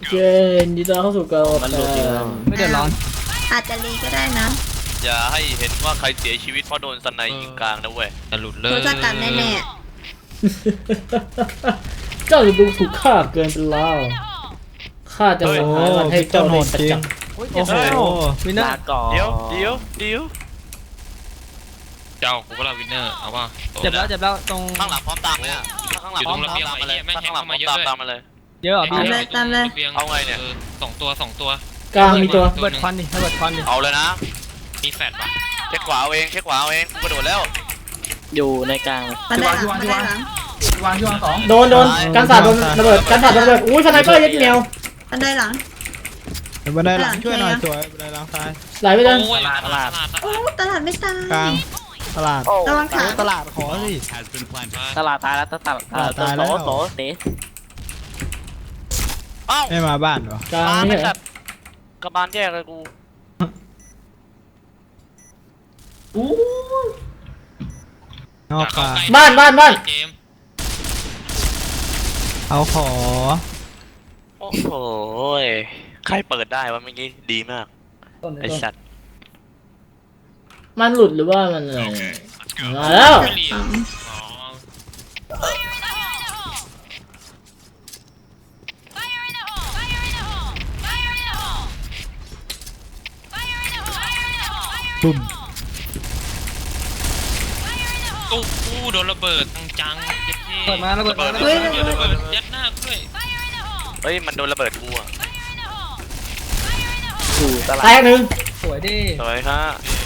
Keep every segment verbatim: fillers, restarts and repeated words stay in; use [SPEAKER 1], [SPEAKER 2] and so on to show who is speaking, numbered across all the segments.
[SPEAKER 1] เจนดีต้อนรับเข้าสู่การ
[SPEAKER 2] มันหลุดอีกแล้ว
[SPEAKER 3] ไม่เดือดร้อน
[SPEAKER 4] อาจจะรีก็ได้นะ
[SPEAKER 2] อย่าให้เห็นว่าใครเสียชีวิตเพราะโดนสไนยิงกลางนะเว้ยจะหลุดเลย
[SPEAKER 4] รู้จักกันแน่
[SPEAKER 1] เจ้าจะดูถูกข้าเกินไปแล้วข้าจะส่งหาเงินให้เจ้าในประจำ
[SPEAKER 3] โอ้โหวินเนอร์
[SPEAKER 2] เดี๋ยวเดี๋ยวเดี๋ยว
[SPEAKER 5] เจ้ากูก็ลาวินเนอร์เอาป่ะ
[SPEAKER 3] เจ็บแล้วเจ็บแล้วตรง
[SPEAKER 2] ข้างหลังพร้อมตามเลยอ่ะข้างหลังพร้อมตามมาเลยข้างหลังพร้อมตามตามมาเลย
[SPEAKER 3] เยอะเหรอพี่
[SPEAKER 2] เอาไงเนี่ย
[SPEAKER 5] สองตัวสองตัว
[SPEAKER 1] กลางมีตัว
[SPEAKER 3] ระเบิดควันดิระเบิดควันดิ
[SPEAKER 2] เอาเลยนะ
[SPEAKER 5] มีแฟดป่ะ
[SPEAKER 2] เช็คขวาเอาเองเช็คขวาเอาเองกูกระโดดแล้ว
[SPEAKER 6] อยู่ในกลาง
[SPEAKER 4] ๆมันได้หลังมันได้หลัง
[SPEAKER 7] วางที่วางสอง
[SPEAKER 1] โดนโดนกันศาสตร์โดนระเบิดกันศาสตร์โดนระเบิดอุ้ยสไนเปอร์ยัดแนว
[SPEAKER 4] มันได้หลัง
[SPEAKER 3] บันไดหลังช่วยหน่อยสวยบันไดหลังซ้าย
[SPEAKER 1] ไหลไปเลย
[SPEAKER 5] โอ้ยตลาด
[SPEAKER 4] โอ้ตลาดไม่ตาย
[SPEAKER 3] กลางตลาด
[SPEAKER 4] ระวังขา
[SPEAKER 3] ตลาดขอสิ
[SPEAKER 6] ตลาดตายแล้วตลาดตลาด
[SPEAKER 3] ตายแล้ว
[SPEAKER 6] โตโตเตะ
[SPEAKER 2] เอ้า
[SPEAKER 3] ไม่มาบ้านเหรอก
[SPEAKER 1] ลาง
[SPEAKER 2] มา
[SPEAKER 1] นี่
[SPEAKER 2] ไม่
[SPEAKER 1] เหร
[SPEAKER 2] ตั
[SPEAKER 1] อ
[SPEAKER 2] ดกระบาลแยกเลยกู
[SPEAKER 7] อู้
[SPEAKER 3] นอกกลาง
[SPEAKER 1] บ้านบ้านบ้าน
[SPEAKER 5] เจม
[SPEAKER 3] เอาขอ
[SPEAKER 2] โอ้โหใครเปิดได้วะเมื่อกี้ดีมากไอสัตว์
[SPEAKER 1] มันหลุดหรือว่ามันอะไรมาแล้ว
[SPEAKER 5] ไม่รีบอ๋อ
[SPEAKER 3] บุ้ม
[SPEAKER 5] ตู้กูโดนระเบิดจังๆ
[SPEAKER 3] เปิดมาระเบิดมาระ
[SPEAKER 5] เฮ้
[SPEAKER 3] เบิ
[SPEAKER 5] ย
[SPEAKER 3] ด
[SPEAKER 5] ระเบิดยัดหน้ากูด้วย
[SPEAKER 2] เฮ้ยมันโดนระเบิดกูอ่ะ
[SPEAKER 6] อยู่ตลา
[SPEAKER 1] แต
[SPEAKER 6] ด
[SPEAKER 1] กหนึ่ง
[SPEAKER 3] สวยดิ
[SPEAKER 2] สวยฮะ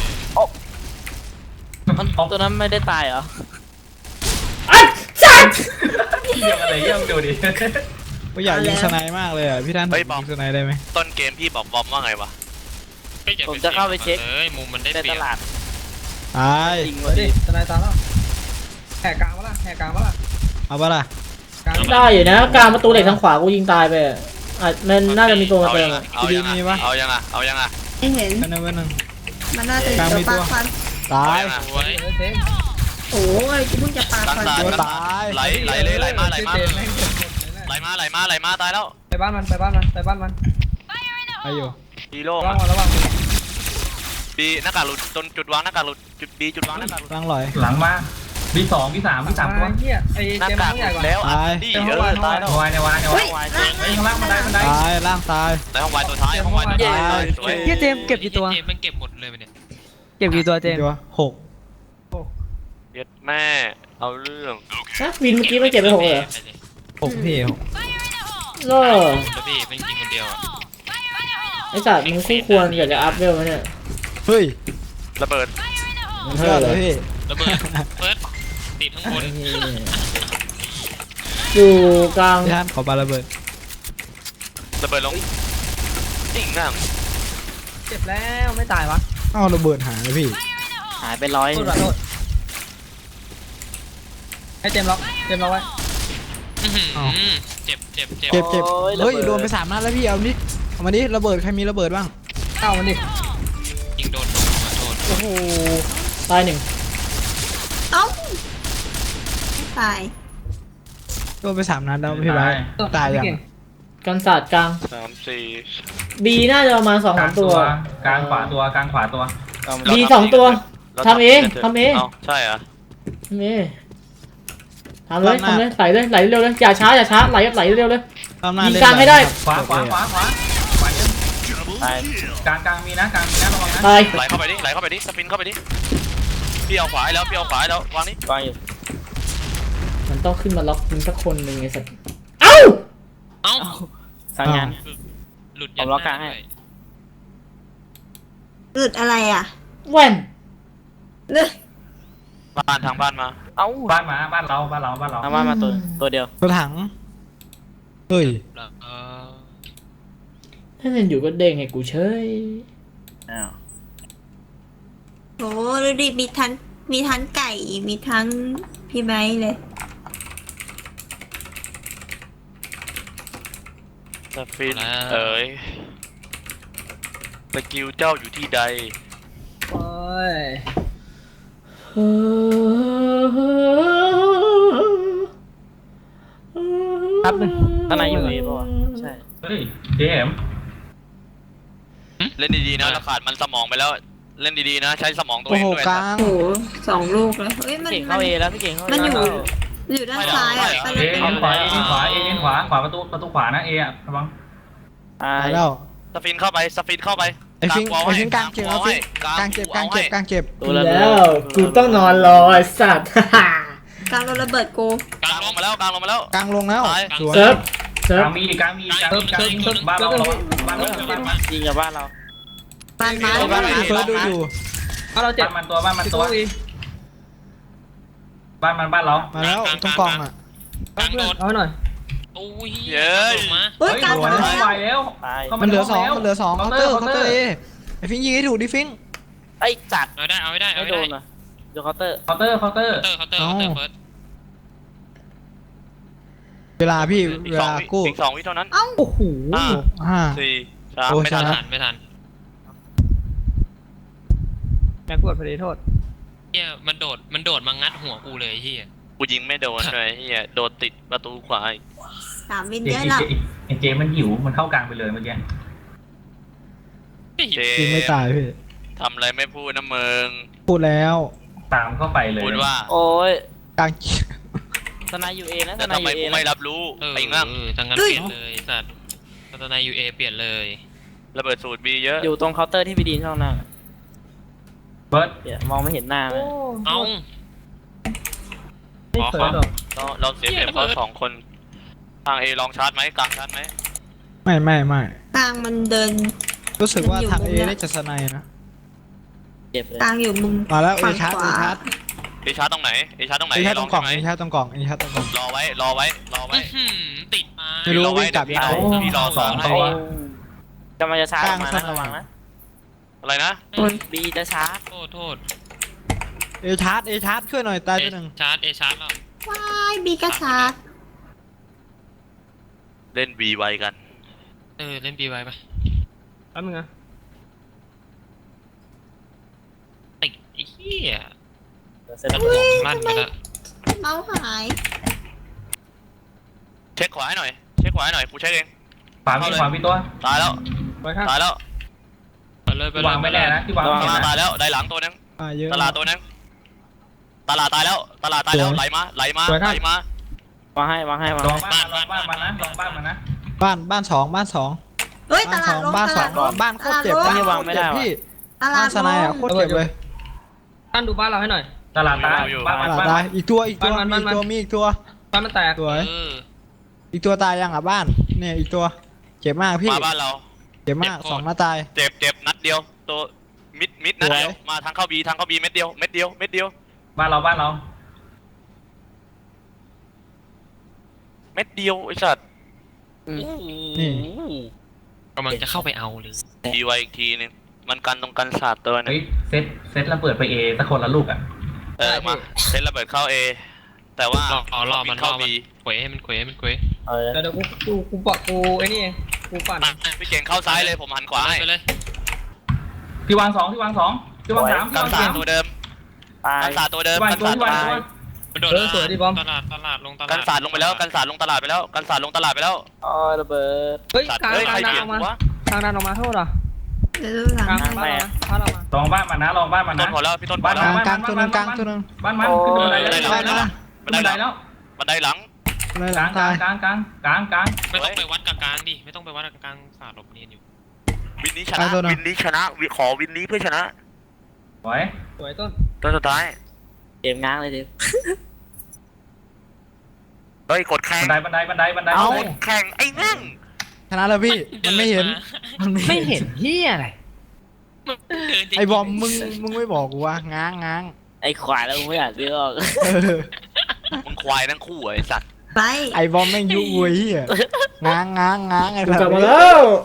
[SPEAKER 6] มันตัวนั้นไม่ได้ตายเหรอ
[SPEAKER 1] อัดสัตว์
[SPEAKER 7] เยี่ยมอะไรเยี่ยมดูดิ
[SPEAKER 3] ก็อยากยิงสไนมากเลยอ่ะพี่ท่านยิงสไนได้ไหม
[SPEAKER 2] ต้นเกมพี่บอกบอมว่าไงวะ
[SPEAKER 6] ผมจะเข้าไปเช็ค
[SPEAKER 5] เลยมุมมันได้
[SPEAKER 6] ใน
[SPEAKER 5] เปรี
[SPEAKER 6] ต
[SPEAKER 5] ยบ
[SPEAKER 6] ลาด
[SPEAKER 3] ตาย
[SPEAKER 6] ยิง
[SPEAKER 3] สว
[SPEAKER 6] มาย
[SPEAKER 3] ดิ
[SPEAKER 6] ดิ
[SPEAKER 3] สไนตายแล้วแหกกลางวะล่ะแหกกลางวะล่ะเอาปะล่ะกลาง
[SPEAKER 1] ได้อยู่นะกลางประตูเหล็กทางขวากูยิงตายไปอ่ะอาจมันน่าจะมีตัวมา
[SPEAKER 2] เอา
[SPEAKER 1] เติ
[SPEAKER 2] ยั
[SPEAKER 1] ม
[SPEAKER 2] ง
[SPEAKER 1] อ่ะ
[SPEAKER 2] เอายังเอายังอ่ะเอายังอ่ะ
[SPEAKER 4] ไม่เห็น
[SPEAKER 3] กันหนึ่งกันหนึ่ง
[SPEAKER 4] มันน่าจะอยู่ตัวปากควัน
[SPEAKER 3] ตาย
[SPEAKER 5] สวย
[SPEAKER 4] โอ้ยกูเพิ่งจะปาควัน
[SPEAKER 3] ตัวตาย
[SPEAKER 2] ไหลไหลเลยไหลมาไหลมาไหลมาไหลมาไหลมาตายแล้ว
[SPEAKER 3] ไปบ้านมันไปบ้านมันไปบ้านมันไปอยู่
[SPEAKER 2] ฮีโร่
[SPEAKER 3] ระวังระวัง
[SPEAKER 2] บีหน้ากากหลุดจนจุดวางหน้ากากหลุดจุดบีจุดวางหน้ากากหลุด
[SPEAKER 3] ตั้งลอย
[SPEAKER 7] หลังมาบีสองบีสามบีสามตัว
[SPEAKER 3] เฮียไอ้
[SPEAKER 2] หน้า
[SPEAKER 3] เจม
[SPEAKER 2] กาก
[SPEAKER 3] ส์
[SPEAKER 2] ห
[SPEAKER 3] ใหญ่
[SPEAKER 2] ลุ
[SPEAKER 3] ก
[SPEAKER 2] ด
[SPEAKER 3] ว่า
[SPEAKER 2] แล้วอ่ะนี่เออตายแล้ว
[SPEAKER 7] วายในวายใน
[SPEAKER 4] เฮ้
[SPEAKER 7] วาย
[SPEAKER 4] ยล่าง
[SPEAKER 7] เฮ้ยข้างล่างบันไดบันได
[SPEAKER 3] ตายล่างตาย
[SPEAKER 2] ในห้องวายตัวท้ายห้องวายตัวท้ายสวย
[SPEAKER 3] เฮียเจมเก็บกี่ตัว
[SPEAKER 5] เจมมันเก็บหมดเลยเนี่ย
[SPEAKER 3] เก็บกี่ตัวเจมตัวหก
[SPEAKER 2] เย็ดแม่เอาเรื่อง
[SPEAKER 1] นะวินเมื่อกี้ไม่เก็บไปหกเลยเหรอ
[SPEAKER 3] หกพี่หก
[SPEAKER 1] โล่
[SPEAKER 5] แล้วพี่เป็นจริงคนเดียวอ่ะ
[SPEAKER 1] ไอสัตว์มึงคู่ควรอยากจะอัพเวลไหมเนี่ย
[SPEAKER 3] เฮ้ย
[SPEAKER 2] ระเบิด
[SPEAKER 1] มัน
[SPEAKER 3] เพื่
[SPEAKER 1] เท่า
[SPEAKER 3] อน
[SPEAKER 1] เล
[SPEAKER 3] เลย ยพี่
[SPEAKER 5] ระเบิดเฟิร์สติดข้างบน
[SPEAKER 1] อยู่กลาง
[SPEAKER 3] พี่ท่านขอบาระเบิด
[SPEAKER 2] ระเบิดลงจริงนั่ง
[SPEAKER 3] เจ็บแล้วไม่ตายวะอ้าวระเบิดหายเลยพี่
[SPEAKER 6] หายไปร้อย
[SPEAKER 3] โทษโทษให้เจมล็อกเจมล็อกไว้
[SPEAKER 5] เจ็บเจ็บเจ็บ
[SPEAKER 3] เจ็บเจ็บเฮ้ยโดนไปสามนัดแล้วพี่เอาดิเอามาดิระเบิดใครมีระเบิดบ้างเอามันดิ
[SPEAKER 5] ยิงโดนโดนขอโทษ
[SPEAKER 3] โอ้โห
[SPEAKER 1] ตายหนึ่ง
[SPEAKER 4] เอ้าตาย
[SPEAKER 3] โดนไปสามนัดแล้วพี่ไบร์ทตายยัง
[SPEAKER 1] กันศาสตร์กลาง
[SPEAKER 2] สามสี่
[SPEAKER 1] บีน่าจะประมาณสอง
[SPEAKER 7] ก
[SPEAKER 1] สา
[SPEAKER 7] ลาง
[SPEAKER 1] มตั
[SPEAKER 7] ตัว วกลางขวาตัวกลางขวาตัว
[SPEAKER 1] บีสองตัวทำเองทำเอง
[SPEAKER 2] ใช่เหรอ
[SPEAKER 1] ทำเองทำเลยทำเลยไหลเลยไหลเร็วเลยอย่าช้าอย่าช้าไหลไหลเร็วเลย
[SPEAKER 3] ตามหน้า
[SPEAKER 1] ยิง
[SPEAKER 3] เล่น
[SPEAKER 1] กลางให้ได้
[SPEAKER 7] ขวาขวาขวาขวาขวาเยอะ
[SPEAKER 6] ตาย
[SPEAKER 7] กลางกลางมีนะกลางมีนะระวังนะ
[SPEAKER 1] ตาย
[SPEAKER 2] ไหลเข้าไปดิไหลเข้าไปดิสปินเข้าไปดิพี่เอาขวาให้แล้วพี่เอาขวาให้แล้ววางนี่
[SPEAKER 6] วางอยู่
[SPEAKER 1] มันต้องขึ้นมาล็อกมึงสักคนหนึ่งไอ้สัตว์เอ้า
[SPEAKER 5] เอ้า
[SPEAKER 6] สั่งงาน
[SPEAKER 5] หลุด
[SPEAKER 6] ผมล็อกกลางให้
[SPEAKER 4] หลุดอะไรอ่ะ
[SPEAKER 1] แว่น
[SPEAKER 4] เลือ
[SPEAKER 2] บ้านทางบ้านมา
[SPEAKER 6] เอ้า
[SPEAKER 7] บ้านมาบ้านเราบ้านเราบ้านเรา
[SPEAKER 6] เอามามาตัวตัวเดียว
[SPEAKER 3] ตัวถังเฮ้ย
[SPEAKER 5] เออ
[SPEAKER 1] ถ้าเล่นอยู่ก็เด้งให้กูเฉย
[SPEAKER 6] อ้าว
[SPEAKER 4] โหดูดิมีทั้งมีทั้งไก่มีทั้งพี่ไม้เลย
[SPEAKER 2] สปินเอ๋ยสกิลเจ้าอยู่ที่ใด
[SPEAKER 3] โอ้ย
[SPEAKER 6] ครับนึงข้างในอยู่นี่ป่าวะใช่
[SPEAKER 7] เฮ้ยเจมส์
[SPEAKER 2] เล่นดีๆนะเราขาดมันสมองไปแล้ว เล่นดีๆนะ ใช้สมองตัว
[SPEAKER 3] โอ้
[SPEAKER 2] เอง
[SPEAKER 3] โห
[SPEAKER 2] ด้วย
[SPEAKER 3] ก
[SPEAKER 2] นะ
[SPEAKER 3] ลาง
[SPEAKER 4] โอ้โหสองลูกเลยเฮ้ยมัน
[SPEAKER 6] พี่เก่ง
[SPEAKER 4] มั
[SPEAKER 6] เข้าน เอแล้วพี่เก่งเข้า
[SPEAKER 4] มัน
[SPEAKER 6] เอ
[SPEAKER 4] อยู่
[SPEAKER 6] แล้ว
[SPEAKER 4] อยู่ด้านซ้ายอ่ะไป
[SPEAKER 7] เอ
[SPEAKER 4] เลย
[SPEAKER 7] เอ็นขวาเอ็นขวาเอ็นขวาขวาประตูประตูขวานะเออะระวัง
[SPEAKER 6] ตาย
[SPEAKER 3] ตายแล้ว
[SPEAKER 2] สฟินเข้าไปสฟินเข้าไป
[SPEAKER 3] ไอ้ฟิง
[SPEAKER 2] วอล
[SPEAKER 3] ไอ้
[SPEAKER 2] ให้
[SPEAKER 3] ฟิงกลางเจ็บเอาฟิงกลางเจ็บกลางเจ็บกลางเจ็บ
[SPEAKER 6] ตัวระเบิด
[SPEAKER 1] แล้วกูต้องนอนรอไอ้สัตว์
[SPEAKER 4] กลางโดนระเบิดกู
[SPEAKER 2] กลางลงมาแล้วกลางลงมาแล้ว
[SPEAKER 3] กลางลงแล้ว
[SPEAKER 2] ตาย
[SPEAKER 3] สวย
[SPEAKER 1] เซิร์ฟเซิ
[SPEAKER 7] ก
[SPEAKER 1] ร์ฟ
[SPEAKER 7] ลางมีกลางมีกลางมีกลางมีบ้านเราระวังบ้านเราบ้านมัน
[SPEAKER 6] ยิงกับบ้านเรา
[SPEAKER 4] ปานไม้
[SPEAKER 3] บ้านไอ้เฟิร์สดูอยู่
[SPEAKER 7] บ้านเราเจ็บมันตัวบ้านมันตัวบ้านมันบ้านเรา
[SPEAKER 3] มาแล้วตรงกล่องอ่ะ
[SPEAKER 5] กลางโดด
[SPEAKER 7] เอาหน่อย
[SPEAKER 5] โอ้ย
[SPEAKER 2] เย้ย
[SPEAKER 5] ลงมา
[SPEAKER 4] เฮ้ยกลาง
[SPEAKER 7] มัน
[SPEAKER 4] มา
[SPEAKER 7] ไหว
[SPEAKER 4] แล้ว
[SPEAKER 7] แล้ว
[SPEAKER 6] ตาย
[SPEAKER 3] มันเหลือสองมันเหลือสองเคาน์เตอร์เคาน์เตอร์เอไอ้ฟิงยิงให้ถูกดิฟิง
[SPEAKER 6] ไอ้จัด
[SPEAKER 5] เอาได้เอาไม่ได้เอา
[SPEAKER 6] ไม่
[SPEAKER 5] ไม่
[SPEAKER 6] โด
[SPEAKER 5] ได้
[SPEAKER 6] นอ่ะโดนเคาน์เตอร์
[SPEAKER 7] เคาน์เตอร์เคาน์เตอร์
[SPEAKER 5] เคาน์เตอร์เคาน์เตอร์เคาน์เตอร์เฟิร์ส
[SPEAKER 3] เวลาพี่
[SPEAKER 2] อีก
[SPEAKER 3] เว
[SPEAKER 2] สอง
[SPEAKER 3] ลา
[SPEAKER 2] วิ
[SPEAKER 3] กู้
[SPEAKER 2] อีกสองวิเท่านั้น
[SPEAKER 3] โอ้โห
[SPEAKER 2] ห้า
[SPEAKER 3] ห้า
[SPEAKER 2] สี่สาม
[SPEAKER 3] โอ้
[SPEAKER 2] ไม่ทัน
[SPEAKER 3] ช
[SPEAKER 5] ไม่
[SPEAKER 3] นะ
[SPEAKER 5] ทันไม่ทัน
[SPEAKER 7] แม็กกดพอดีโทษ
[SPEAKER 5] เฮียมันโดดมันโดดมางัดหัวกูเลยเฮีย
[SPEAKER 2] กูยิงไม่โดนเลยเฮียโดนติดประตูขวาอีก
[SPEAKER 4] สามวิน
[SPEAKER 7] เจ
[SPEAKER 4] เยอะหรอก
[SPEAKER 7] ไอเจมันหิวมันเข้ากลางไปเลยเมื่อกี้
[SPEAKER 2] เจ
[SPEAKER 3] ยิงไม่ตายพี่
[SPEAKER 2] ทำอะไรไม่พูดนะมึง
[SPEAKER 3] พูดแล้ว
[SPEAKER 7] ตามเข้าไปเลย
[SPEAKER 2] พูดว่า
[SPEAKER 6] โอ้ย
[SPEAKER 3] กลาง
[SPEAKER 6] ทนายยูเอนะท
[SPEAKER 2] แล้ว
[SPEAKER 6] นาย
[SPEAKER 2] ทำไม
[SPEAKER 6] ยูเอ
[SPEAKER 2] กู
[SPEAKER 6] นะ
[SPEAKER 2] ไม่รับรู้
[SPEAKER 5] เออ
[SPEAKER 2] ไอ้งั่ง
[SPEAKER 5] เออทางนั้นเปลี่ยนเลยสัตว์พัฒนายูเอเปลี่ยนเลย
[SPEAKER 2] ระเบิดสูตรบีเยอะ
[SPEAKER 6] อยู่ตรงเคาน์เตอร์ที่พี่ดีนช่องนั่ง
[SPEAKER 7] เบิร์ด
[SPEAKER 6] เดี๋ยวมองไม่เห็นหน้าเลย
[SPEAKER 5] เอ้า
[SPEAKER 7] ไม่เคยหรอก
[SPEAKER 2] เราเราเสียเปรียบเขาสองคนทางเอลองชาร์จไหมกลางชาร์จไหม
[SPEAKER 3] ไม่ไม่ไม่
[SPEAKER 4] กลางมันเดิน
[SPEAKER 3] รู้สึกว่า
[SPEAKER 4] มันอยู่
[SPEAKER 3] ทาง
[SPEAKER 4] มุ
[SPEAKER 3] เอ
[SPEAKER 4] มเนี้ย
[SPEAKER 3] ได้จะสไนด์นะ
[SPEAKER 6] เจ็บเลย
[SPEAKER 4] กลางอยู่มุม
[SPEAKER 3] มาแล้วเอ
[SPEAKER 4] ฝั่ง
[SPEAKER 3] ชาร์จ
[SPEAKER 4] ข
[SPEAKER 3] เอ
[SPEAKER 4] วา
[SPEAKER 3] ชาร์จ
[SPEAKER 2] เอชาร์จตรงไหนเอชาร์จตรงไหน
[SPEAKER 3] เอชาร์จตรงกล่อง
[SPEAKER 2] ใช่
[SPEAKER 3] เอ
[SPEAKER 2] ไหม
[SPEAKER 3] ชาร์จตรงกล่องเอชาร์จตรงกล่อง
[SPEAKER 2] รอไว้รอไว้รอไว้
[SPEAKER 5] อื้อหือติดมา
[SPEAKER 3] ไม่รู้
[SPEAKER 2] รอไว้
[SPEAKER 3] วิ่งกลับ
[SPEAKER 2] เดี๋ยวพี่
[SPEAKER 3] ยังไง
[SPEAKER 2] พี่รอสองให้
[SPEAKER 6] โอ้กำลังจะชาร์จออกมานะ
[SPEAKER 3] กลาง
[SPEAKER 6] ระวังนะ
[SPEAKER 2] อะไรนะ
[SPEAKER 6] บีจะชาร์จ
[SPEAKER 5] โทษโทษ
[SPEAKER 3] เอชาร์จเอชาร์จช่วยหน่อยตายตัวหนึ่ง
[SPEAKER 5] ชาร์จเอชาร์จแล้ว
[SPEAKER 4] ว้ายบีกระชาร์จ
[SPEAKER 2] เล่นบีไวกัน
[SPEAKER 5] เออเล่นบีไว้ปะ
[SPEAKER 7] แป๊บนึงนะ
[SPEAKER 5] ติดไอ้เหี้ย
[SPEAKER 6] เสร็จ
[SPEAKER 5] ก
[SPEAKER 6] แล้
[SPEAKER 5] ระ
[SPEAKER 6] ว
[SPEAKER 5] หน่วงลั่นไปแล้ว
[SPEAKER 4] เมาส์หาย
[SPEAKER 2] เช็คขวาให้หน่อยเช็คขวาให้หน่อยกูเช็คเอง
[SPEAKER 7] ขวามีขวามีตัว
[SPEAKER 2] ตายแล้ว
[SPEAKER 7] ไปครับ
[SPEAKER 2] ตายแล้ว
[SPEAKER 5] ไปเลยไปเลยว
[SPEAKER 7] างไม่แน่นะที่วาง
[SPEAKER 2] ต
[SPEAKER 7] ไม่
[SPEAKER 2] ลาด
[SPEAKER 7] แน่
[SPEAKER 2] ตาย
[SPEAKER 7] นะ
[SPEAKER 2] แล้วได้หลังตัวนึง
[SPEAKER 3] อ่าเยอะ
[SPEAKER 2] ตลาดตัวนึงตลาดตายแล้วตลาดตายแล้วไหลมาไหลมาไหลมาว
[SPEAKER 6] างให้วางให้วาง
[SPEAKER 7] ลอง
[SPEAKER 6] ให้
[SPEAKER 7] บ้านลองบ้านมันนะลองบ้านมันนะ
[SPEAKER 3] บ้านบ้านสองบ้านสอง
[SPEAKER 4] เฮ้ยต
[SPEAKER 3] บ้าน
[SPEAKER 4] ลา
[SPEAKER 3] ส
[SPEAKER 4] ด
[SPEAKER 3] อง
[SPEAKER 4] ลง
[SPEAKER 3] บ้าน
[SPEAKER 4] ต
[SPEAKER 3] สอ
[SPEAKER 4] ลาง ดลง
[SPEAKER 3] บ้านโคตรเจ็บ
[SPEAKER 4] ตลาด
[SPEAKER 3] บ้าน
[SPEAKER 4] ลง
[SPEAKER 3] โคตรเจ็บพี่
[SPEAKER 4] ตลา
[SPEAKER 3] บ้า
[SPEAKER 4] ด
[SPEAKER 3] นสไนด์อ่ะโคตรเจ็บเลย
[SPEAKER 8] ท่านดูบ้านเราให้หน่อย
[SPEAKER 7] ตลาดตายบ้านมัน
[SPEAKER 3] ตลาด
[SPEAKER 7] บ้าน
[SPEAKER 3] ตา
[SPEAKER 7] มั
[SPEAKER 3] ย
[SPEAKER 7] น
[SPEAKER 3] อีกตัวอีกตัว
[SPEAKER 8] บ้านมั
[SPEAKER 3] มี
[SPEAKER 8] น
[SPEAKER 3] อีกตัว
[SPEAKER 8] บ้าน
[SPEAKER 3] มีอีกตัว
[SPEAKER 8] บ้านมันแตก
[SPEAKER 3] สวย
[SPEAKER 5] เออ
[SPEAKER 3] อีกตัวตายยังอ่ะบ้านเนี่ยอีกตัวเจ็บมากพี่
[SPEAKER 2] มาบ้านเรา
[SPEAKER 3] เจ็บมากสองหน้าตาย
[SPEAKER 2] เจ็บเจ็บนัดเดียวตัวมิดมิดนัดเดียวมาทางเข้าบีทางเข้าบีเม็ดเดียวเม็ดเดียวเม็ดเดียว
[SPEAKER 7] บ้านเราบ้านเรา
[SPEAKER 2] เม็ดเดียวไอ้สัตว์
[SPEAKER 3] นี่
[SPEAKER 5] กำลังจะเข้าไปเอาเลย
[SPEAKER 2] ทีไว้อีกทีนึงมันกันตรงกันศาสตร์ตัวนึ
[SPEAKER 7] เฮ้
[SPEAKER 2] ง
[SPEAKER 7] ยเซตเซตระเบิดไปเอสักคนละลูกอ่ะ
[SPEAKER 2] เออมาเซ็นระเบิดเข้าเอแต่ว่าร
[SPEAKER 5] อรอรอมันร
[SPEAKER 2] เข้า
[SPEAKER 5] อมัน
[SPEAKER 2] บี
[SPEAKER 5] เขวให้มันเขวให้มันเขว
[SPEAKER 6] เออ
[SPEAKER 8] เดี๋ยวเดี๋ยวกูกูกูปะกูไอ้นี่เองกูปั่น
[SPEAKER 2] พี่เก่งเข้าซ้ายเลยผมหันขวาให้
[SPEAKER 5] ไปเลย
[SPEAKER 7] พี่วางสองพี่วางสองพี่วางสามพี่
[SPEAKER 2] กัน
[SPEAKER 7] วาง
[SPEAKER 2] ศาส
[SPEAKER 7] สา
[SPEAKER 2] ต
[SPEAKER 7] ม
[SPEAKER 2] ร์ตัวเดิม
[SPEAKER 6] ตาย
[SPEAKER 2] กันศาสตร์ตัวเดิม
[SPEAKER 7] พี่วาง
[SPEAKER 2] กัน
[SPEAKER 7] ตัว
[SPEAKER 2] ศาสต
[SPEAKER 7] พี่
[SPEAKER 2] ร์
[SPEAKER 7] วางตัว
[SPEAKER 5] มันโดด
[SPEAKER 8] เออสวยดิบอม
[SPEAKER 5] ตลาดตลาดลงตลาด
[SPEAKER 2] กันศาสตร์ลงไปแล้วกันศาสตร์ลงตลาดไปแล้วกันศาสตร์ลงตลาดไปแล้ว
[SPEAKER 6] อ๋อระเบิด
[SPEAKER 8] เฮ้ย
[SPEAKER 2] สัตว์
[SPEAKER 8] กลาง
[SPEAKER 2] เฮ้ย
[SPEAKER 8] ก
[SPEAKER 2] ใคร
[SPEAKER 8] ลางดัน
[SPEAKER 2] เบีย
[SPEAKER 8] อ
[SPEAKER 2] ด
[SPEAKER 8] อกมา
[SPEAKER 2] วะ
[SPEAKER 8] กลางดันออกมาโทษเหรอ
[SPEAKER 4] เดี๋ยวดูหลัง
[SPEAKER 8] กลางบ้านเรามาบ้านเรามา
[SPEAKER 7] ลองบ้านมันนะลองบ้านมัน
[SPEAKER 2] ต้
[SPEAKER 7] นะ
[SPEAKER 2] นพอแล้วพี่ต้นพ
[SPEAKER 7] บ้า
[SPEAKER 2] อน แล้ว
[SPEAKER 7] มัน
[SPEAKER 3] กลางตัวหนึงกลางตัวหนึง
[SPEAKER 7] บ้านมันขึ้นบันได
[SPEAKER 2] ได้
[SPEAKER 7] แล้ว
[SPEAKER 2] หลัง
[SPEAKER 3] ได้
[SPEAKER 7] ขึ้นบันไดแล้ว
[SPEAKER 2] บันไดหลัง
[SPEAKER 3] เลยห
[SPEAKER 7] ก
[SPEAKER 3] ลั
[SPEAKER 7] ลาง งกลา
[SPEAKER 3] ตาง ย
[SPEAKER 7] กลางกลางกลางกลาง
[SPEAKER 5] ไม่ต้องไปวัดกับกลางดิไม่ต้องไปวัดกับกลางศาสตร์หลบเนียนอยู่
[SPEAKER 2] วินนี้ชนะวินนี้ชนะวิขอวินนี้เพื่อชนะ
[SPEAKER 7] สวย
[SPEAKER 8] สวยต้น
[SPEAKER 2] ตัวสุดท้าย
[SPEAKER 6] เกมง้างเลยดิ
[SPEAKER 2] เฮ้ยกดแข่ง
[SPEAKER 7] บันไดบันไดบันไดบันได
[SPEAKER 2] เอาแข่งไอ้นั่ง
[SPEAKER 3] ชนะแล้วพี่มันไม่เห็น
[SPEAKER 8] ไม่เห็นเฮียอะไร
[SPEAKER 5] เดินจริงๆ
[SPEAKER 3] ไอ้บอมมึงมึงไม่บอกกูว่าง้างง้าง
[SPEAKER 6] ไอ้ขวายแล้วมึงไม่อยากซื้อหรอก
[SPEAKER 3] เออ
[SPEAKER 2] มึงควายทั้งคู่ไอ้สัตว์
[SPEAKER 4] ไป
[SPEAKER 3] ไอ้บอมแม่งยุเว้ยเหี้ยง้างง้างง้างไอ้
[SPEAKER 1] กู
[SPEAKER 3] แบบ
[SPEAKER 1] กลับมาแล้ว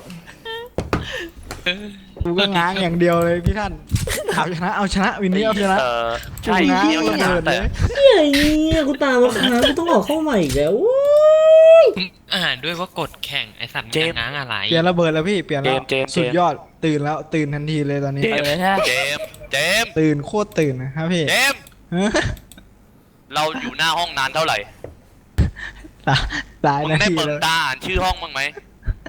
[SPEAKER 3] กูก็ง้างอย่างเดียวเลยพี่ท่านเอาชนะเอาชนะวินนี้เอาชนะ
[SPEAKER 2] เออใช่
[SPEAKER 3] ง้าง
[SPEAKER 2] เดียวช
[SPEAKER 3] ระ
[SPEAKER 2] นะ
[SPEAKER 3] เบิด
[SPEAKER 2] แต่
[SPEAKER 3] เลย
[SPEAKER 1] เฮ้ยเนี่ยกูตามมาค้างกูต้องออกเข้าใหม่อีกแล้วโอ้ย
[SPEAKER 5] อ่านด้วยว่ากดแข่งไอสัตว์มันจะง้างอะไร
[SPEAKER 3] เปลี่ยนระเบิดแล้วพี่เปลี่ยนแล้ว
[SPEAKER 2] เจมส์เจมส์
[SPEAKER 3] สุดยอดตื่นแล้วตื่นทันทีเลยตอนนี้
[SPEAKER 6] เออใช่
[SPEAKER 2] เจมส์เจมส์
[SPEAKER 3] ตื่นโคตรตื่นนะครับพี่
[SPEAKER 2] เจมส์
[SPEAKER 3] เฮ้ย
[SPEAKER 2] เราอยู่หน้าห้องนานเท่าไหร่
[SPEAKER 3] ตายหลาย
[SPEAKER 2] มึง
[SPEAKER 3] นา
[SPEAKER 2] ได้
[SPEAKER 3] ที
[SPEAKER 2] เปิด
[SPEAKER 3] แล้ว
[SPEAKER 2] ตาอ่านชื่อห้องบ้างไหม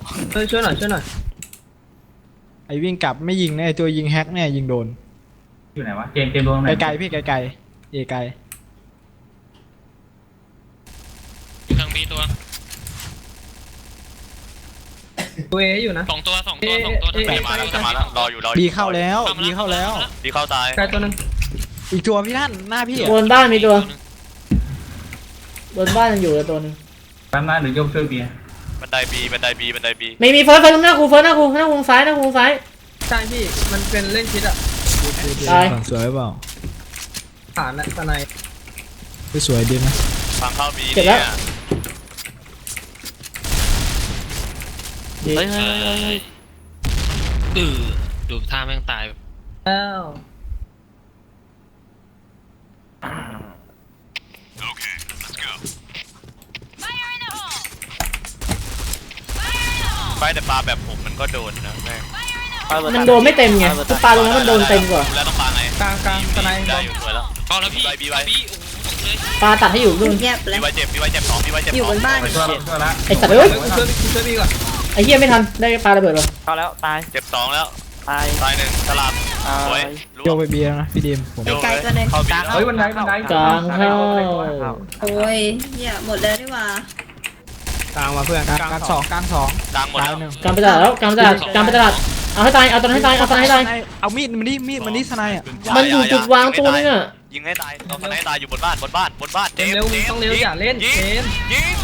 [SPEAKER 8] เฮ้ยช่วยหน่อยช่วยหน่อย
[SPEAKER 3] ไอ้วิ่งกลับไม่ยิงนะไอ้ตัวยิงแฮกเนี่ยยิงโดน
[SPEAKER 7] อยู่ไหนวะเกมเกมโดนไหน
[SPEAKER 3] ไกลๆพี่ไกลๆเอไกล
[SPEAKER 5] อยู่ทางบีตัว
[SPEAKER 8] ตัวเออยู่นะ
[SPEAKER 5] สองตัวสองตัวสองตัวทาง
[SPEAKER 2] จะ
[SPEAKER 5] บี
[SPEAKER 2] มาแล้วจะมาแล้วรออยู่รออยู่
[SPEAKER 3] บีเข้าแล้วบีเข้าแล้ว
[SPEAKER 2] ดีเข้าตาย
[SPEAKER 8] ไกลตัวนึง
[SPEAKER 3] อีกตัวพี่ท่านหน้าพี่อะ
[SPEAKER 1] บนบ้านมีตัวบนบ้านยังอยู่เลยตัวหนึง
[SPEAKER 7] แป๊บนะหรือโยกช่วยเบียร์
[SPEAKER 2] บันไดบีบันไดบีบันไดบี
[SPEAKER 1] ไม่มีเฟิร์สเฟิร์สหน้ากูเฟิร์สหน้ากูหน้ากูซ้ายหน้ากูซ้าย
[SPEAKER 8] ใช่พี่มันเป็นเล่นคิดอ่ะ
[SPEAKER 1] ตาย
[SPEAKER 3] สวยเปล่า
[SPEAKER 8] ฐานและสไน
[SPEAKER 3] ไม่สวยดีไหม
[SPEAKER 2] ฟังเข้าบี
[SPEAKER 1] เจ็บแล้ว
[SPEAKER 2] เนี่ย
[SPEAKER 1] ดี
[SPEAKER 6] เฮ้ยเฮ้ยเฮ้ยเฮ้ย
[SPEAKER 5] ดื้อดูท่าแม่งตาย
[SPEAKER 8] แล้ว
[SPEAKER 2] ไปแต่ปลาแบบผมมันก็โดนนะแม่ง
[SPEAKER 1] มันโดนไม่เต็มไงทุกปลาลงแล้วมันโดนเต็มกว่า
[SPEAKER 2] แล้วต้องปลาไง
[SPEAKER 8] กลางกลางสไน
[SPEAKER 2] ได้อยู่สวยแล้ว
[SPEAKER 5] เข้าแล้วพี่
[SPEAKER 2] บีไว้บีไว้
[SPEAKER 5] บีโอ้โหเลย
[SPEAKER 1] ปลาตัดให้อยู่นู่น
[SPEAKER 4] เงียบเล
[SPEAKER 2] บี
[SPEAKER 4] ย
[SPEAKER 2] ไว้เจ็บบีไว้เจ็บสองบีไว้เจ็บ
[SPEAKER 4] อยู่
[SPEAKER 2] ส
[SPEAKER 4] บ
[SPEAKER 2] อง
[SPEAKER 4] นบ้าน
[SPEAKER 7] ไปช่วยช่วยละ
[SPEAKER 1] ไอสัตว์เอ้ย
[SPEAKER 8] เฮ้ยช่วยช่วยพี่ก่อน
[SPEAKER 1] ไอเหี้ยไม่ทันได้ปลาระเบิดวะ
[SPEAKER 6] เข้าแล้วตาย
[SPEAKER 2] เจ็บสองแล้ว
[SPEAKER 6] ตาย
[SPEAKER 2] ตายหนึ่งสลับ
[SPEAKER 6] ตา
[SPEAKER 2] สวย
[SPEAKER 6] ย
[SPEAKER 2] รู้
[SPEAKER 3] โยกไปเบียร์นะพี่ดีมผม
[SPEAKER 4] ไกลๆตัวนึง
[SPEAKER 2] เข้าบี
[SPEAKER 7] เฮ้ยบันไดบันได
[SPEAKER 1] กลางเข้า
[SPEAKER 4] โอ้ยเนี่ยหมดแล้วดีกว่า
[SPEAKER 8] กลางมาเพื่อน
[SPEAKER 3] กลางกลางสองกลางสอง
[SPEAKER 2] กลางหมด
[SPEAKER 3] ตาย
[SPEAKER 2] แล้ว
[SPEAKER 3] หนึ่ง
[SPEAKER 1] กลางไปตลาดแล้วกลางไปตลาดกลางไปตลาดเอาให้ตายเอาตัวนั้นให้ตายเอาตัวนั้นให้ตาย
[SPEAKER 3] เอามีดมันนี่มีดมันนี่สไนด์อ่ะ
[SPEAKER 1] มันอยู่จุดวางตัวนึงอ่ะ
[SPEAKER 2] ยิงให้ตายตอนสไนตายอยู่บนบ้านบนบ้านบนบ้าน
[SPEAKER 8] เร็วเร็วต้องเร็วอย่าเล่นเกม
[SPEAKER 2] ยิง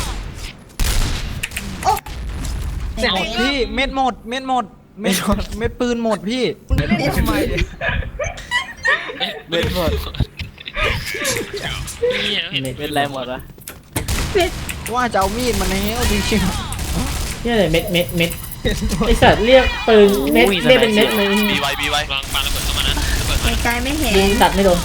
[SPEAKER 4] เสร็จ
[SPEAKER 3] หม
[SPEAKER 4] แล้
[SPEAKER 3] ด
[SPEAKER 4] ว
[SPEAKER 3] พี่เม็ดหมดเม็ดหมดเม็ดหมดเม็ดปืนหมดพี่
[SPEAKER 4] เล่นทำไม
[SPEAKER 6] เบ็ดหมด
[SPEAKER 5] นี่เห็น
[SPEAKER 6] เป็นไรหมดวะ
[SPEAKER 3] ว่าจะเอามีดมาแล้วจริง
[SPEAKER 1] เนี่ยเลยเม็ดเม็ดเม็ดไอสัตว์เรียกปืนเม็ดเรียกเป็นเม็ดเลย
[SPEAKER 2] บีไว้บีไว้
[SPEAKER 5] วางปาระเบิดเข้ามานะระเบิดมา
[SPEAKER 4] ไกลๆไม่เห็น
[SPEAKER 1] ยิงตัดไม่โดน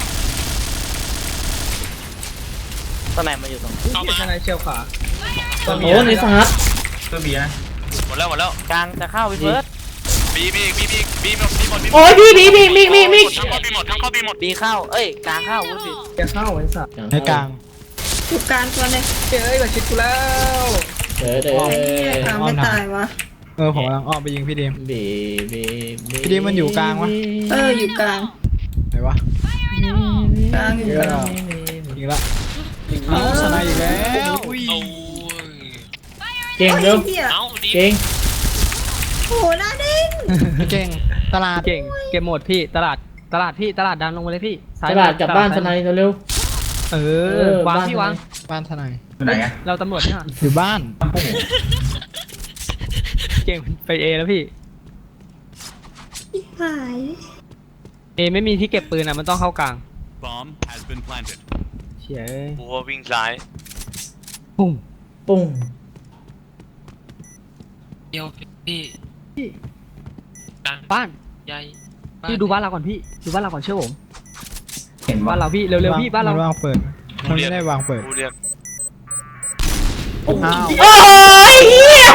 [SPEAKER 6] ตอนไหนมาอยู่ตรง
[SPEAKER 5] เข้ามา
[SPEAKER 8] สไนเชียวขวา
[SPEAKER 1] โอ้ในสหัส
[SPEAKER 7] ช่วยเบียร์นะ
[SPEAKER 2] หมดแล้วหมดแล้ว
[SPEAKER 6] กลางจะเข้าไปเฟิร์ส
[SPEAKER 2] บีบีบีบีบีหมดบีหมดบีหมด
[SPEAKER 1] โอ้ยพี่พี่พี่มิกมิกมิก
[SPEAKER 2] ทั้งเข้าบีหมดทั้งเข้าบีหมด
[SPEAKER 6] บีเข้าเอ้ยกลางเข้าวุ้นผิด
[SPEAKER 8] จะเข้าไอ้สัตว์
[SPEAKER 3] ๆในกลาง
[SPEAKER 4] อยู่กลางตัวนึง
[SPEAKER 8] เฮ้ยมาชิดกูแล้ว
[SPEAKER 1] เด้อเด้อก
[SPEAKER 4] ลางไม่ตายวะ
[SPEAKER 3] เออผมกำลังอ้อมไปยิงพี่ดีม
[SPEAKER 1] บีบีบี
[SPEAKER 3] พี่ดิมมันอยู่กลางวะ
[SPEAKER 4] เอออยู่กลาง
[SPEAKER 3] ไหนวะ
[SPEAKER 4] กลางอยู่กลาง
[SPEAKER 3] ยิงละเอาสไนด์อีกแล้ว
[SPEAKER 5] โอ้ย
[SPEAKER 1] เก่งเร็ว
[SPEAKER 4] เหี้ย
[SPEAKER 5] เอ้าดี
[SPEAKER 1] เก่ง
[SPEAKER 4] โอ้โหหน้าเด้ง
[SPEAKER 3] เก่งตลาด
[SPEAKER 8] เก่งเกมหมดพี่ตลาดตลาดพี่ตลาดดันลงมาเลยพี่
[SPEAKER 1] ตลาดกลับบ้านทนายเร็ว
[SPEAKER 8] เอ
[SPEAKER 1] เอ
[SPEAKER 8] อ
[SPEAKER 1] อ
[SPEAKER 8] วาง
[SPEAKER 1] บ้าน
[SPEAKER 8] พี่วาง
[SPEAKER 3] บ้านทนาย
[SPEAKER 7] อยู่ไหนอะ
[SPEAKER 8] เราตำรวจเนี่ย
[SPEAKER 3] อยู่บ้าน
[SPEAKER 7] โอ้โห
[SPEAKER 8] เก่งไปเอแล้วพี่
[SPEAKER 4] หาย
[SPEAKER 8] เอไม่มีที่เก็บปืนอ่ะมันต้องเข้ากลาง
[SPEAKER 9] Bomb has been planted.
[SPEAKER 8] เฉีย
[SPEAKER 2] กูว่าวิ่งซ้าย
[SPEAKER 8] ปุ้ม
[SPEAKER 1] ปุ้ง
[SPEAKER 5] เดียวพี่กลาง
[SPEAKER 8] บ้าน
[SPEAKER 5] ใหญ่
[SPEAKER 8] พี่ดูบ้านเราก่อนพี่ดูบ้านเราก่อนเชื่อผม
[SPEAKER 7] เห็น
[SPEAKER 8] บ้า
[SPEAKER 7] ว่าน
[SPEAKER 8] เราพี่เร็วๆพี่บ้านเรา
[SPEAKER 3] มันวางเปิดมันไม่ได้วางเปิด
[SPEAKER 2] กูเรียก
[SPEAKER 3] อ้าว
[SPEAKER 1] โอ้ยเหี้ย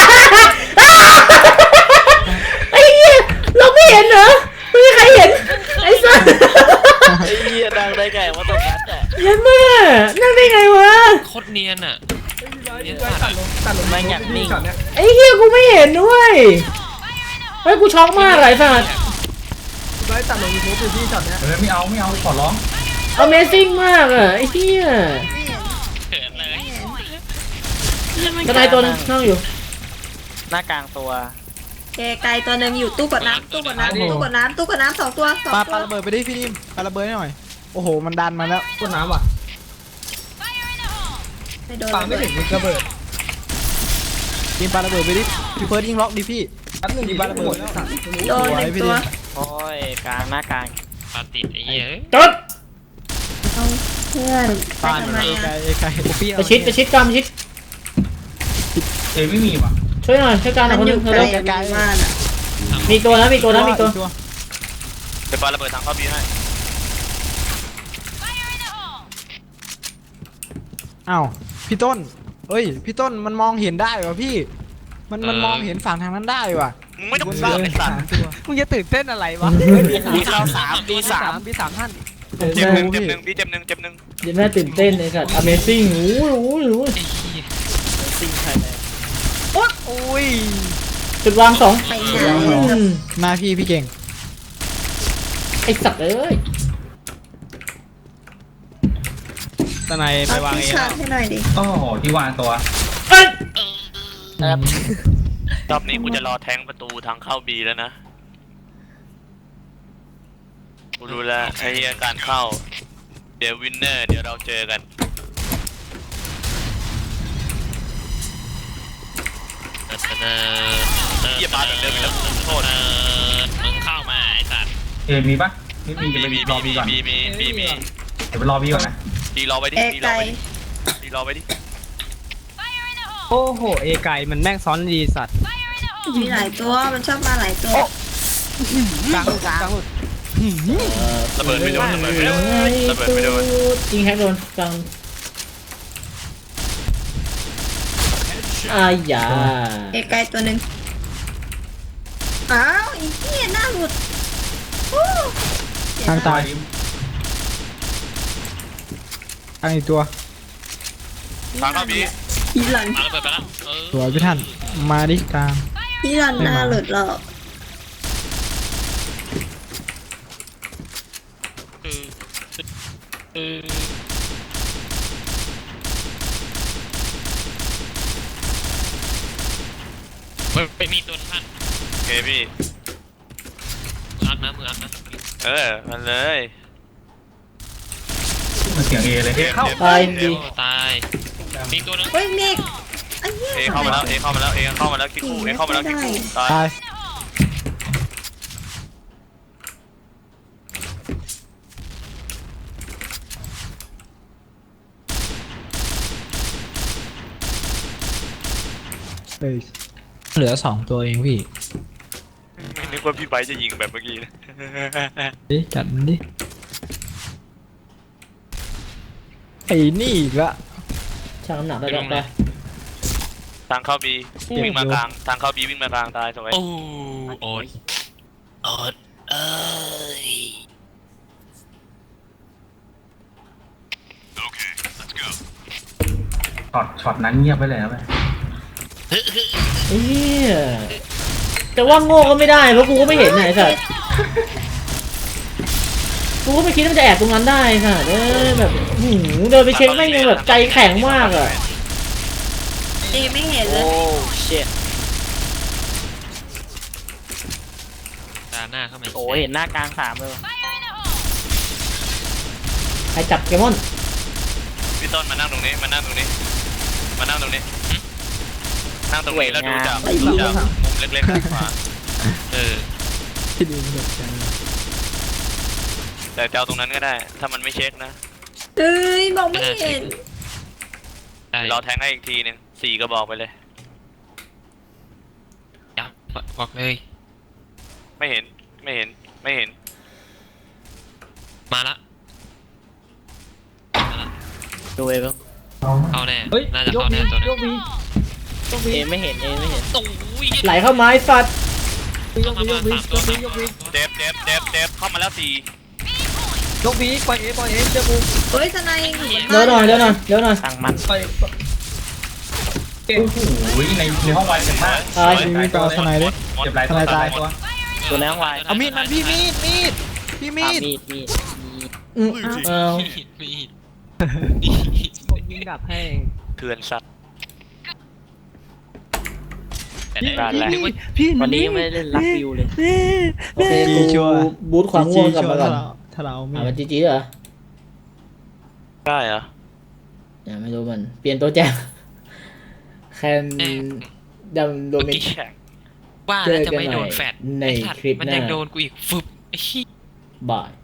[SPEAKER 1] ไอ้เหี้ยเราไม่เห็นเหรอไม่มีใครเห็นไอ้สัส
[SPEAKER 6] ไอ้เหี้ยดังได้ไงว่าตรงนั้นแต่
[SPEAKER 1] เยันแม่นั่งได้ไงวะ
[SPEAKER 5] โคตรเนียนอ่ะ
[SPEAKER 8] ตัดลงตัดลง
[SPEAKER 6] ไม่อยากนิ่ง
[SPEAKER 8] ช็อตเนี้ย
[SPEAKER 1] ไอ้เหี้ยกูไม่เห็นด้วยเฮ้ยกูช็อกมากเลยสัส
[SPEAKER 8] ไว้ตัดลงยูทูบดูพี่ช็อตเนี้ย
[SPEAKER 7] เออไม่เอาไม่เอาขอร้อง
[SPEAKER 1] Amazing มากอ่ะไอ้เหี้ย
[SPEAKER 5] เขินเลย
[SPEAKER 1] กระไดตัวนึงนั่งอยู่
[SPEAKER 6] หน้ากลางตัว
[SPEAKER 4] เกไกลตัวนึงอยู่ตู้กดน้ำตู้กดน้ำตู้กดน้ำตู้กดน้ำสองตัวสอง
[SPEAKER 3] ปา
[SPEAKER 4] ตั
[SPEAKER 3] ปาว ระเบิดไปดิพี่ดิมปาระเบิดให้หน่อย โอ้โหมันดันมาแล้ว
[SPEAKER 8] กดน้ำว่ะ
[SPEAKER 4] ไม่โดน
[SPEAKER 8] ปาไม่ถึงมึงระเบิด
[SPEAKER 3] ยิงปาระเบิดไปดิพี่เฟิร์สยิงล็อกดิพี่
[SPEAKER 8] แป๊บนึง
[SPEAKER 3] มีบ้านระเบิดแล้ว
[SPEAKER 4] โดนหนึ่งตัว
[SPEAKER 6] โอ้ยกลางหน้ากลาง
[SPEAKER 5] ปาติดไอ้เหี้ย
[SPEAKER 1] จด
[SPEAKER 4] เอาเพื่อนไป
[SPEAKER 3] บ้าน
[SPEAKER 4] ทำไม
[SPEAKER 3] ไกล
[SPEAKER 4] อ่ะ
[SPEAKER 3] ไกลไกล
[SPEAKER 8] พี่
[SPEAKER 1] ประชิดประชิดกลางประชิด
[SPEAKER 7] เอไม่มีว่ะ
[SPEAKER 1] ช่วยหน่อยช่วยกันหน่
[SPEAKER 4] มั
[SPEAKER 1] อย
[SPEAKER 4] น
[SPEAKER 1] คน
[SPEAKER 4] อ
[SPEAKER 1] นึ
[SPEAKER 4] ยู่
[SPEAKER 1] ง
[SPEAKER 4] ไกล
[SPEAKER 1] เร็ว
[SPEAKER 4] บ้านอ่ะ
[SPEAKER 1] มีตัวนะมีตัวนะมีตัว
[SPEAKER 2] เป็นปลาระเบิดทางเข้าบีให้
[SPEAKER 3] อ้าวพี่ต้นเอ้ยพี่ต้นมันมองเห็นได้วะพี่ มันมันมองเห็นฝั่งทางนั้นได้วะ
[SPEAKER 2] มึงไม่ต้องเสือกไอ้สัตว์
[SPEAKER 8] มึงจะตื่นเต้นอะไรวะ
[SPEAKER 6] บีเข้าสามบีสาม
[SPEAKER 8] บีสามท่าน
[SPEAKER 2] เจ็บหนึ่งเจ็บหนึ่งพี่เจ็บหนึ่งเจ็บหนึ่ง
[SPEAKER 1] เดี๋ยวแม่ตื่นเต้นไอ้สัตว์ Amazing โอ้โหโอ้โห
[SPEAKER 5] ไอ้เหี้ย
[SPEAKER 6] ซิงใครเลย
[SPEAKER 3] อุ้ย
[SPEAKER 1] จุดวางสอง
[SPEAKER 4] ไปไหน
[SPEAKER 1] อืม
[SPEAKER 3] มาพี่พี่เก่ง
[SPEAKER 1] ไอสัตว์เอ้ย
[SPEAKER 8] ตะไนไป
[SPEAKER 4] เอา
[SPEAKER 8] วาง
[SPEAKER 4] ที่
[SPEAKER 8] เอง
[SPEAKER 4] ชาร์จให้หน่อยดิ
[SPEAKER 7] โอ้โหที่วางตัว
[SPEAKER 1] เอ้ย
[SPEAKER 2] รอบนี้กูจะรอแทงประตูทางเข้าบีแล้วนะกูรู้แล้วไอ้เหี้ยการเข้าเดี๋ยววินเนอร์เดี๋ยวเราเจอกัน เหี้ยมาแบบเดิมอีกแล้วโทษ
[SPEAKER 5] มึงเข้ามาไอ้สัตว์
[SPEAKER 7] เอมีปะไม่มี
[SPEAKER 2] มี
[SPEAKER 7] จะไป
[SPEAKER 2] มี
[SPEAKER 7] รอบีก่อน
[SPEAKER 2] มีมีมีมี
[SPEAKER 7] เดี๋ยวไปรอบีก่อนนะ
[SPEAKER 2] ดีรอไว้ดิ
[SPEAKER 4] เอ
[SPEAKER 2] ดีร
[SPEAKER 4] ไก
[SPEAKER 2] อ
[SPEAKER 4] ล
[SPEAKER 2] ไว้ดิดีรอไว้ดิ
[SPEAKER 8] โอ้โหเอไก่มันแม่งซ้อนดีสัตว์
[SPEAKER 4] มีหลายตัวมันชอบมาหลายตัว
[SPEAKER 8] กลางหลุดกลางหลุด
[SPEAKER 2] ระเบิดไม่โดนระเบิดไม่โดนระเบิดไม่โดน
[SPEAKER 1] ยิงแฮกโดนกลางอายา
[SPEAKER 4] เอไกลตัวหนึ่งอ้าวไอ้เหี้ยหน้าหลุดโอ้
[SPEAKER 3] ทางตายทางอีกตัว
[SPEAKER 2] ทางเข้าบี
[SPEAKER 4] พี่หลัน
[SPEAKER 5] เอาระเบิดไปแล้วเออ
[SPEAKER 3] สวยพี่ท่านมาดิกลาง
[SPEAKER 4] พี่หลันหน้าหลุดหรอก
[SPEAKER 5] เออเออเฮ้ยไปมีตัวท่าน
[SPEAKER 2] โอเคพี่
[SPEAKER 5] มืออักนะมืออักนะ
[SPEAKER 2] เออมันเลย
[SPEAKER 7] มันเสียงเอเลยเอเข้า
[SPEAKER 1] ตายดี
[SPEAKER 5] โอ้ตายมีตัวนึง
[SPEAKER 4] เฮ้ยเมกไอ้เหี้ย
[SPEAKER 2] เอเข้ามาแล้วเอเข้ามาแล้วเอเข้ามาแล้วคิกคู่เอเข้ามาแล้วคิกคู่ตาย
[SPEAKER 3] ตายเอ้ยเหลือสองตัวเองพี่
[SPEAKER 2] ไม่นึกว่าพี่ไบร์ทจะยิงแบบเมื่อกี้นะ
[SPEAKER 3] ดิจัดมันดิไอ้นี่อีกละ
[SPEAKER 1] ช่างน้ำหนักได้แล้วไป
[SPEAKER 2] ทางเข้าบีวิ่งมากลางทางเข้าบีวิ่งมากลางตายสวย
[SPEAKER 5] โอ้โอ๊ตโอ๊ตเอ้ย
[SPEAKER 7] ช็อตช็อตนั้นเงียบไปแล้วไหม
[SPEAKER 1] เฮียแต่ว่าโง่ก็ไม่ได้เพราะกูก็ไม่เห็นไหนสัตว์กูก็ไม่คิดว่ามันจะแอบตรงนั้นได้สัตว์เอ้ยแบบหืมเดินไปเช็คไม่งยังแบบใจแข็งมากอ่ะ
[SPEAKER 4] เอไม่เห็นเลย
[SPEAKER 6] โอ้เชี่ย
[SPEAKER 5] ตาหน้าเข้ามา
[SPEAKER 6] โอ้เห็นหน้ากลางสามเลย
[SPEAKER 1] ใครจับเกมอน
[SPEAKER 2] พี่ต้นมานั่งตรงนี้มานั่งตรงนี้มานั่งตรงนี้นั่งตรงนี้แล้วดูจากดูจากมุมเล็กๆด้านขวา
[SPEAKER 5] เออ
[SPEAKER 3] ที่ดีมันจัง
[SPEAKER 2] แต่จะเอาตรงนั้นก็ได้ ถ้ามันไม่เช็คนะ
[SPEAKER 4] เอ้ยบอกไม่เห็น
[SPEAKER 5] ได้
[SPEAKER 2] รอแทงให้อีกทีหนึงสี่ก็บอกไปเลย
[SPEAKER 5] ยับบอกเลย
[SPEAKER 2] ไม่เห็นไม่เห็นไม่เห็น
[SPEAKER 5] มาละมาละ
[SPEAKER 6] ดูเอบ้าง
[SPEAKER 5] เข้าแน่
[SPEAKER 8] เฮ้ย
[SPEAKER 5] น่าจะ
[SPEAKER 8] ยก
[SPEAKER 5] เข้า
[SPEAKER 8] วี
[SPEAKER 5] แน่ตัวนึ
[SPEAKER 8] ย
[SPEAKER 5] ง
[SPEAKER 8] กวียกวี
[SPEAKER 6] เอไม่เห็นเอไม่เห็น
[SPEAKER 5] โอ้ย
[SPEAKER 1] ไหลเข้าไม้สัตว์
[SPEAKER 8] ยกวียกวียกวียกวี
[SPEAKER 2] เจ็บเจ็บเจ็บเจ็บเข้ามาแล้วสี่
[SPEAKER 8] ยกวีปล่อยเอปล่อยเอเจ้าบู
[SPEAKER 4] เฮ้ยทนายยังอยู่บน
[SPEAKER 1] เดี๋ยวหน่อยเดี๋ยวหน่อยเดี๋ยวหน่อย
[SPEAKER 6] สั่งมัน
[SPEAKER 8] ปล่อย
[SPEAKER 7] โอ้โหในในห้องไวเจ็บมาก
[SPEAKER 1] ตาย
[SPEAKER 3] มีไปเอาสไนด์ดิ
[SPEAKER 7] เจ็บหลายตัวตายตัว
[SPEAKER 6] ตัวในห้องไว
[SPEAKER 3] เอามีดมันพี่มีดมีดพี่มี
[SPEAKER 6] อ่ะ
[SPEAKER 3] ด
[SPEAKER 6] มีดมีดมีด
[SPEAKER 1] อืมเอา
[SPEAKER 5] มีดมีด
[SPEAKER 8] ผมยิงดับให้
[SPEAKER 2] เถื่อนสัตว์
[SPEAKER 5] แต่ได้
[SPEAKER 2] การแหละ
[SPEAKER 3] พี่
[SPEAKER 6] วันนี้ยังไม่ได้เล่นรักวิวเลย
[SPEAKER 1] โอเคกูบูทความง่วงกลับมาก่อน
[SPEAKER 3] ถ้าเราไม่
[SPEAKER 1] อ่ามันจีจีเหรอ
[SPEAKER 2] ได้เหรอ
[SPEAKER 1] ยังไม่รู้มันเปลี่ยนตัวแจกแคนดำโด
[SPEAKER 5] เมื่อ
[SPEAKER 1] มิก
[SPEAKER 5] กี้ว่าแล้วจะไม่โดนแฟด
[SPEAKER 1] ใน
[SPEAKER 5] ไอ้สัตว์
[SPEAKER 1] คลิป
[SPEAKER 5] มัน
[SPEAKER 1] หน้า
[SPEAKER 5] ยังโดนกูอีกฟึบไอ้ขี้
[SPEAKER 1] บาย